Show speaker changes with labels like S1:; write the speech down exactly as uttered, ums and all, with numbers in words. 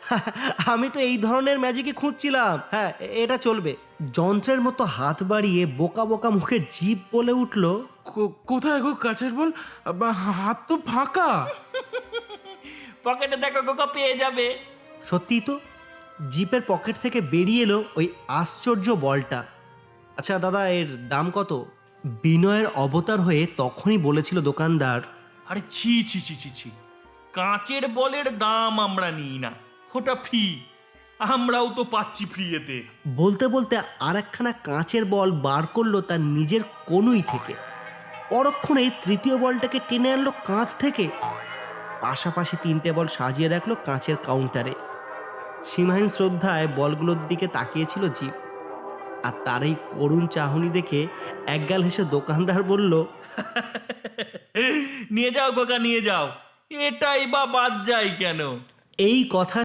S1: আমি তো এই ধরনের ম্যাজিকই খুঁজছিলাম। হ্যাঁ, এ- এটা চলবে। যন্ত্রের মতো হাত বাড়িয়ে বোকা বোকা মুখে জিভ বলে উঠল,
S2: কো- কোথায় গো কাচের বল? বা, হাত তো ফাঁকা।
S3: পকেটে দেখো গোকা, পেয়ে যাবে।
S1: সত্যিই তো, জিপের পকেট থেকে বেরিয়ে এলো ওই আশ্চর্য বলটা। আচ্ছা দাদা, এর দাম কত? বিনয়ের অবতার হয়ে তখনই বলেছিল দোকানদার,
S3: আরে ছি ছি ছি ছি ছি, কাঁচের বলের দাম আমরা নিই না, ওটা ফ্রি। আমরাও তো পাচ্ছি ফ্রি এতে।
S1: বলতে বলতে আর একখানা কাঁচের বল বার করলো তার নিজের কনুই থেকে। পরক্ষণেই তৃতীয় বলটাকে টেনে আনলো কাঁচ থেকে। পাশাপাশি তিনটে বল সাজিয়ে রাখলো কাঁচের কাউন্টারে। সীমাহীন শ্রদ্ধায় বলগুলোর দিকে তাকিয়েছিল জিপ। আর তার এই করুণ চাহনি দেখে একগাল হেসে দোকানদার বলল,
S3: নিয়ে যাও গোকা, নিয়ে যাও, এটাই বা বাদ যায় কেন?
S1: এই কথা